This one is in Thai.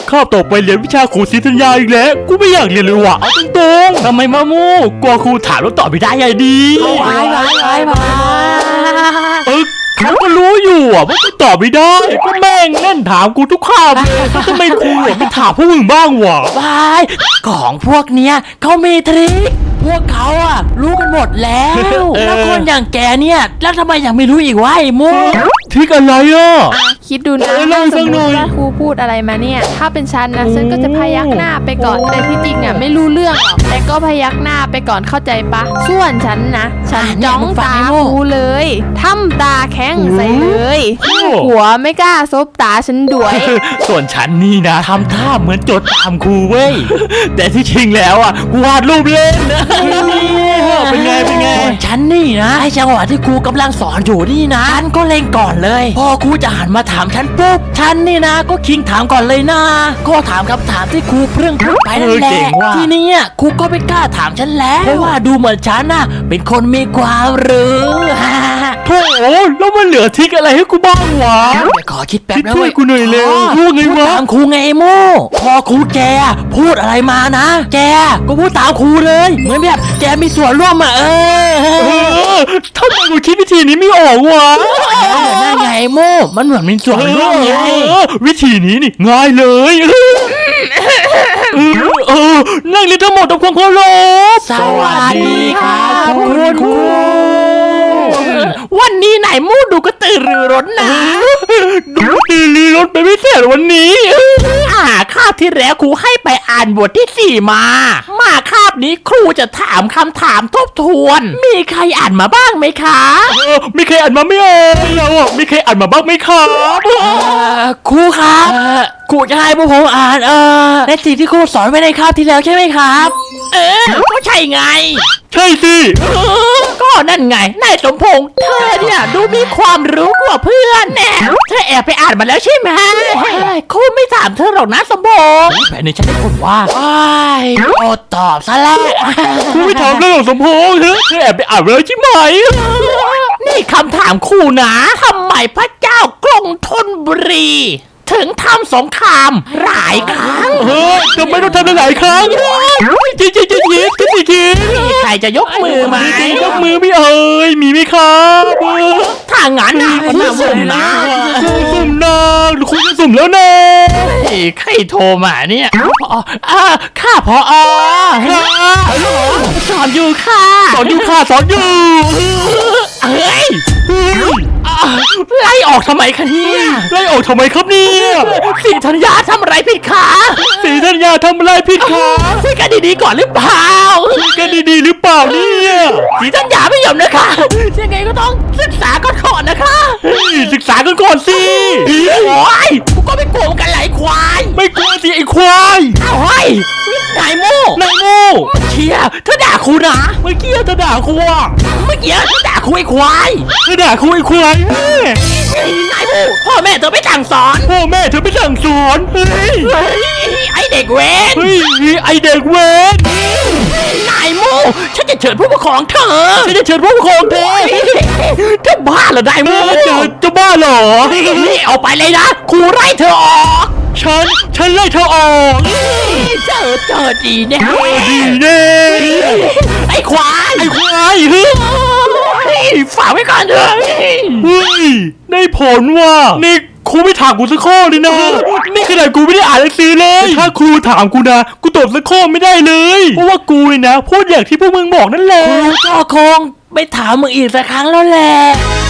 คาบต่อไปเรียนวิชาครูศรีธัญญาอีกแล้วกูไม่อยากเรียนเลยว่ะเอาตรงๆทำไมมามูกลัวครูถามแล้วตอบไม่ได้ไงดีเขาก็รู้อยู่ว่ากูตอบไม่ได้ก็แม่งเล่นถามกูทุกคำทำไมครูไม่ถามพวกมึงบ้างวะวายของพวกเนี้ยเขามีทริคพวกเขาอะรู้กันหมดแล้วแล้วคนอย่างแกเนี่ยแล้วทำไมยังไม่รู้อีกวะไอ้มูทริคอะไรอ่ะคิดดูนะเล่าให้สฟัมงมหน่อยติว่าครูพูดอะไรมาเนี่ยถ้าเป็นฉันนะฉันก็จะพยักหน้าไปก่อนแต่ที่จริงอ่ะไม่รู้เรื่องหรอกแต่ก็พยักหน้าไปก่อนเข้าใจปะส่วนฉันนะฉันจ้องตาครูเลยทำตาแข็งใส่เลยหัวไม่กล้าซบตาฉันด้วยส่วนฉันนี่นะทำท่าเหมือนจดตามครูเว้ยแต่ที่จริงแล้วอ่ะกูวาดรูปเล่นเป็นไงส่วนฉันนี่นะไอ้จังหวะที่ครูกำลังสอนอยู่นี่นะฉันก็เล็งก่อนเลยพอครูจะหันมาถามฉันปุ๊บฉันนี่นะก็คิงถามก่อนเลยนะก็ถามคำถามที่ครูเพิ่งพูดไปนั่นแหละทีนี้ครูก็ไม่กล้าถามฉันแล้วเพราะว่าดูเหมือนฉันน่ะเป็นคนมีความรู้โถ่แล้วมันเหลือทริคอะไรให้กูบ้างวะเดี๋ยวขอคิดแป๊บนะช่วยกูหน่อยเร็วพูพูดดไงวะตามครูไงไอ้โม่พอครูแกพูดอะไรมานะแกก็พูดตามครูเลยเหมือนแบบแกมีส่วนร่วมทำไมกูคิดวิธีนี้ไม่ออกวะนั่นไงไอ้โม่มันเหมือนมีส่วนร่วมไงวิธีนี้นี่ง่ายเลยนั่งเรียนทั้งหมดทำความเคารพสวัสดีครับคุณครูวันนี้ไหนโม่ดูกระตือรือร้นนะดูตีลีรถไปไม่เสร็จวันนี้คาบที่แล้วครูให้ไปอ่านบทที่4มาคาบนี้ครูจะถามคำถามทบทวน มีใครอ่านมาบ้างไหมคะมีใครอ่านมาไม่ออกเราอ่ะมีใครอ่านมาบ้างไหมครับครูครับครูจะให้พวกผมอ่านในสิ่งที่ครูสอนไว้ในคาบที่แล้วใช่ไหมครับ ก็ใช่ไงใช่สิก็นั่นไงนายสมพงษ์เธอเนี่ยดูมีความรู้กว่าเพื่อนแน่เธอแอบไปอ่านมาแล้วใช่ไหมครูไม่ถามเธอหรอกนะสมพงษ์แต่ในฉันได้คนว่าโอตอบซะแล้วกูไม่ถามเรื่องของสมพงษ์เธอแอบไปอ่านมาแล้วใช่ไหมนี่คำถามครูนะทำไมพระเจ้ากรุงธนบุรีถึงทำสงครามหลายครั้งทำไมต้องทำหลายครั้งจริงมีใครจะยกมือไหมยกมือไม่เอ่ยมีไหมครับถ้างั้นคุณสุ่มนะสุ่มนะคุณจะสุ่มแล้วนะใครโทรมาเนี่ยข้าพอสอนอยู่ค่ะสอนอยู่เฮ้ยไล่ออกทำไมคะเนี่ยไล่ออกทำไมครับเนี่ยศรีธัญญาทำอะไรผิดคะศรีธัญญาทำอะไรผิดครับคุยกันดีๆก่อนหรือเปล่าคุยกันดีๆหรือเปล่าเนี่ยศรีธัญญาไม่ยอมนะคะยังไงก็ต้องศึกษาก่อนนะคะศึกษากันก่อนสิโอ้ยกูก็ไม่โกงกันไหลควายไม่กลัวสิไอ้ควายเอ้าเฮ้ยนายโม่นายโง่เชียเธอด่าครูนะเมื่อกี้เธอด่าครูอ่ะเมื่อกี้เธอด่าครูไอ้ควายเธอด่าครูไอ้ควายนายโม่พ่อแม่เธอไม่สั่งสอนพ่อแม่เธอไม่สั่งสอนเฮ้ยไอเด็กเวนเฮ้ยไอเด็กเวนนายโม่ฉันจะเชิญผู้ปกครองเธอฉันจะเชิญผู้ปกครองเธอเธอบ้าเหรอนายโม่จะบ้าเหรอนี่เอาไปเลยนะครูไล่เธอออกฉันไล่เธอออกเจอดีแน่ดีแน่ไอ้ควายไอ้ควายเฮ้ยฝากไว้ก่อนเถอะเฮ้ยได้ผลว่ะนี่ครูไม่ถามกูสักข้อเลยนะ นี่ขนาดกูไม่ได้อ่านหนังสือเลย ถ้าครูถามกูนะกูตอบสักข้อไม่ได้เลยเพราะว่ากูเนี่ยนะพูดอย่างที่พวกมึงบอกนั่นแหละครูก็คงไม่ถามมึงอีกสักครั้งแล้วแหละ